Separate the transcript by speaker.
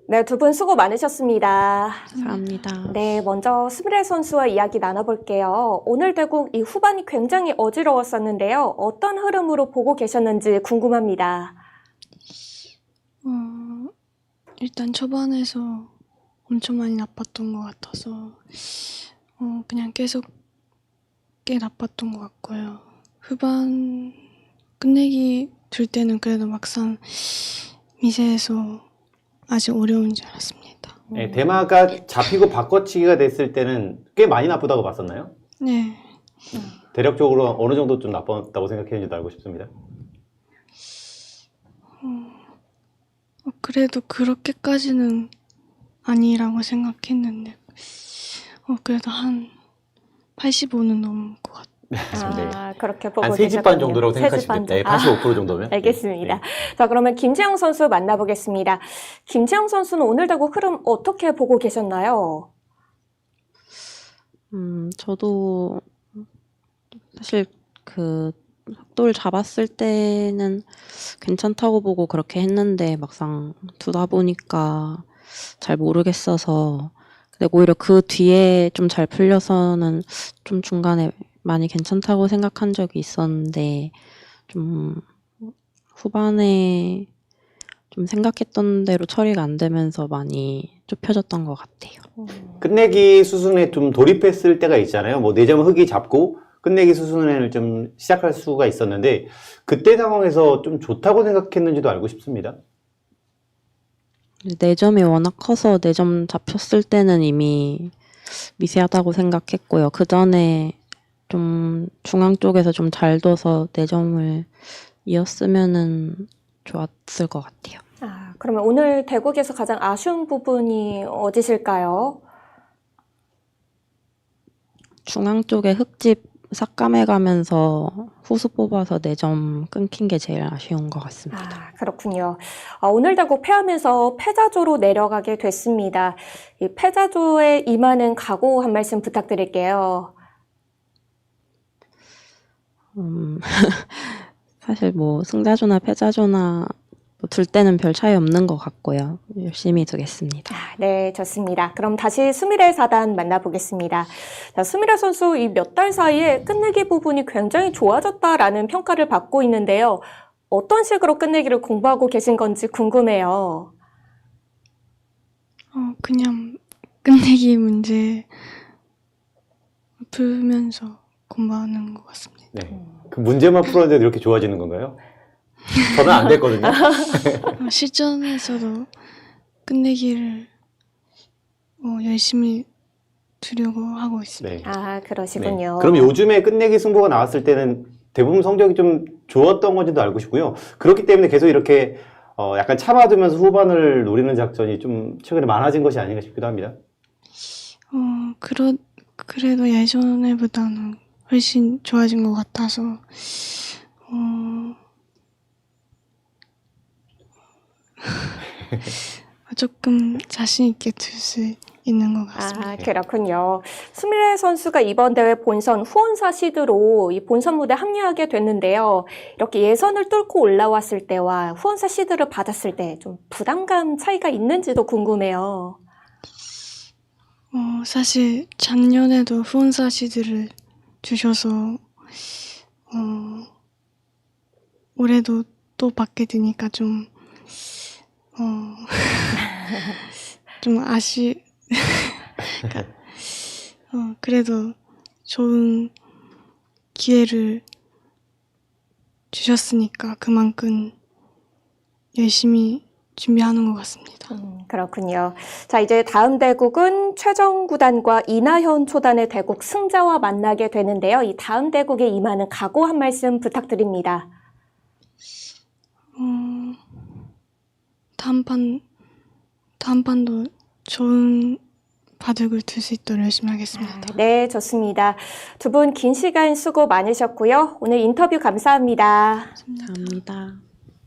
Speaker 1: 네, 두 분 수고 많으셨습니다.
Speaker 2: 감사합니다.
Speaker 1: 네, 먼저 스미레 선수와 이야기 나눠볼게요. 오늘 대국 이 후반이 굉장히 어지러웠었는데요. 어떤 흐름으로 보고 계셨는지 궁금합니다.
Speaker 3: 일단 초반에서 엄청 많이 나빴던 것 같아서 그냥 계속 꽤 나빴던 것 같고요. 후반 끝내기 들 때는 그래도 막상 미세해서 아직 어려운 줄 알았습니다.
Speaker 4: 네, 대마가 잡히고 바꿔치기가 됐을 때는 꽤 많이 나쁘다고 봤었나요?
Speaker 3: 네.
Speaker 4: 대략적으로 어느 정도 좀 나빴다고 생각했는지도 알고 싶습니다.
Speaker 3: 그래도 그렇게까지는 아니라고 생각했는데 그래도 한 85는 넘을 것 같아요.
Speaker 4: 맞습니다.
Speaker 1: 그렇게 보고
Speaker 4: 한 3집 반
Speaker 1: 계셨군요.
Speaker 4: 정도라고 생각하시면 됩니다. 85% 정도면.
Speaker 1: 알겠습니다.
Speaker 4: 네.
Speaker 1: 자, 그러면 김재영 선수 만나보겠습니다. 김재영 선수는 오늘 대국 흐름 어떻게 보고 계셨나요?
Speaker 2: 저도 사실 그 흑돌 잡았을 때는 괜찮다고 보고 그렇게 했는데 막상 두다 보니까 잘 모르겠어서 근데 오히려 그 뒤에 좀 잘 풀려서는 좀 중간에 많이 괜찮다고 생각한 적이 있었는데 좀 후반에 좀 생각했던 대로 처리가 안 되면서 많이 좁혀졌던 것 같아요.
Speaker 4: 끝내기 수순에 좀 돌입했을 때가 있잖아요. 뭐 4점 흑이 잡고 끝내기 수순을 좀 시작할 수가 있었는데 그때 상황에서 좀 좋다고 생각했는지도 알고 싶습니다.
Speaker 2: 4점이 워낙 커서 4점 잡혔을 때는 이미 미세하다고 생각했고요. 그 전에 좀 중앙 쪽에서 좀 잘 둬서 4점을 이었으면은 좋았을 것 같아요.
Speaker 1: 그러면 오늘 대국에서 가장 아쉬운 부분이 어디실까요?
Speaker 2: 중앙 쪽에 흙집 삭감해가면서 후수 뽑아서 4점 끊긴 게 제일 아쉬운 것 같습니다.
Speaker 1: 그렇군요. 오늘 대국 패하면서 패자조로 내려가게 됐습니다. 이 패자조에 임하는 각오 한 말씀 부탁드릴게요.
Speaker 2: 사실 뭐 승자조나 패자조나 둘 때는 별 차이 없는 것 같고요. 열심히 두겠습니다.
Speaker 1: 네, 좋습니다. 그럼 다시 스미레 사단 만나보겠습니다. 자, 스미레 선수 이 몇 달 사이에 끝내기 부분이 굉장히 좋아졌다라는 평가를 받고 있는데요. 어떤 식으로 끝내기를 공부하고 계신 건지 궁금해요.
Speaker 3: 그냥 끝내기 문제 풀면서 공부하는 것 같습니다.
Speaker 4: 네. 그 문제만 풀었는데 이렇게 좋아지는 건가요? 저는 안 됐거든요.
Speaker 3: 실전에서도 끝내기를 열심히 두려고 하고 있습니다.
Speaker 4: 네.
Speaker 1: 그러시군요.
Speaker 4: 네. 그럼 요즘에 끝내기 승부가 나왔을 때는 대부분 성적이 좀 좋았던 건지도 알고 싶고요. 그렇기 때문에 계속 이렇게 약간 참아두면서 후반을 노리는 작전이 좀 최근에 많아진 것이 아닌가 싶기도 합니다.
Speaker 3: 그래도 예전에보다는 훨씬 좋아진 것 같아서 조금 자신 있게 둘 수 있는 것 같습니다.
Speaker 1: 그렇군요. 스미레 선수가 이번 대회 본선 후원사 시드로 이 본선 무대 합류하게 됐는데요. 이렇게 예선을 뚫고 올라왔을 때와 후원사 시드를 받았을 때 좀 부담감 차이가 있는지도 궁금해요.
Speaker 3: 사실 작년에도 후원사 시드를 주셔서 올해도 또 받게 되니까 좀 그래도 좋은 기회를 주셨으니까 그만큼 열심히 준비하는 것 같습니다.
Speaker 1: 그렇군요. 자, 이제 다음 대국은 최정 구단과 이나현 초단의 대국 승자와 만나게 되는데요. 이 다음 대국에 임하는 각오 한 말씀 부탁드립니다.
Speaker 3: 다음 판도 좋은 바둑을 둘 수 있도록 열심히 하겠습니다.
Speaker 1: 네, 좋습니다. 두 분 긴 시간 수고 많으셨고요. 오늘 인터뷰 감사합니다.
Speaker 2: 감사합니다.